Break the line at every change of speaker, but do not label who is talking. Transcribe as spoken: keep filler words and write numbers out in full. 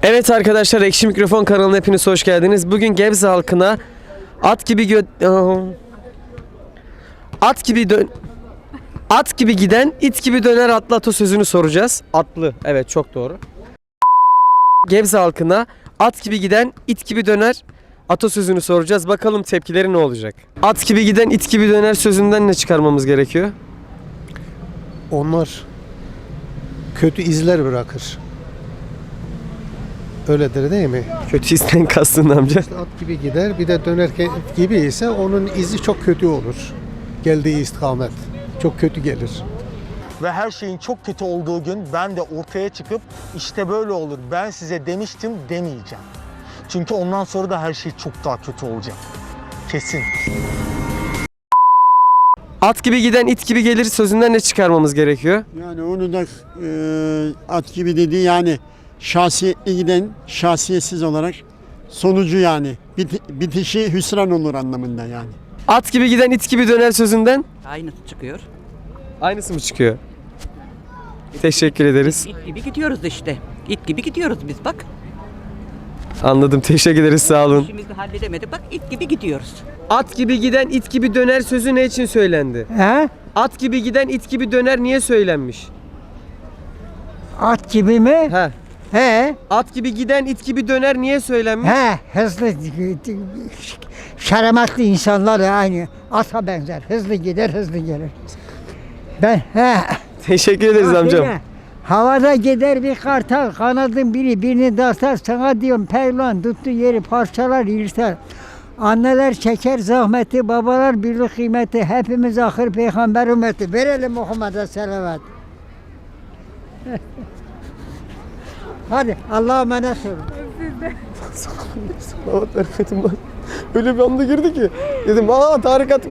Evet arkadaşlar, Ekşi Mikrofon kanalına hepiniz hoş geldiniz. Bugün Gebze halkına at gibi gö at gibi dön at gibi giden it gibi döner atlı atasözünü soracağız. Atlı, evet, çok doğru. Gebze halkına at gibi giden it gibi döner atasözünü soracağız. Bakalım tepkileri ne olacak? At gibi giden it gibi döner sözünden ne çıkarmamız gerekiyor?
Onlar kötü izler bırakır. Öyledir değil mi?
Kötü isten kastın amca.
İşte at gibi gider, bir de dönerken gibi ise onun izi çok kötü olur. Geldiği istikamet çok kötü gelir.
Ve her şeyin çok kötü olduğu gün ben de ortaya çıkıp işte böyle olur, ben size demiştim demeyeceğim. Çünkü ondan sonra da her şey çok daha kötü olacak. Kesin.
At gibi giden it gibi gelir sözünden ne çıkarmamız gerekiyor?
Yani onu da e, at gibi dedi, yani şahsiyetli giden şahsiyetsiz olarak sonucu, yani bit, bitişi hüsran olur anlamında yani.
At gibi giden it gibi döner sözünden
Aynısı çıkıyor.
aynısı mı çıkıyor? Teşekkür ederiz.
İt gibi gidiyoruz işte. İt gibi gidiyoruz biz bak.
Anladım. Teşekkür ederiz. Sağ olun.
İşimizi halledemedik bak, it gibi gidiyoruz.
At gibi giden it gibi döner sözü ne için söylendi?
He?
At gibi giden it gibi döner niye söylenmiş?
At gibi mi?
He.
He.
At gibi giden it gibi döner niye söylenmiş?
He. Hızlı, şerametli insanlar aynı ata benzer. Hızlı gider, hızlı gelir. Ben he.
Teşekkür ederiz
Bak
amcam.
öyle, havada gider bir kartal, kanadın biri birini dastar, sana diyorum pehlivan tuttu yeri parçalar yırtar. Anneler çeker zahmeti, babalar bilir kıymeti, hepimiz ahir peygamber ümmeti. Verelim Muhammed'e selavat. Hadi Allah'a emanet olun.
Salavat bereketim var. Öyle bir anda girdi ki. Dedim aa tarikat.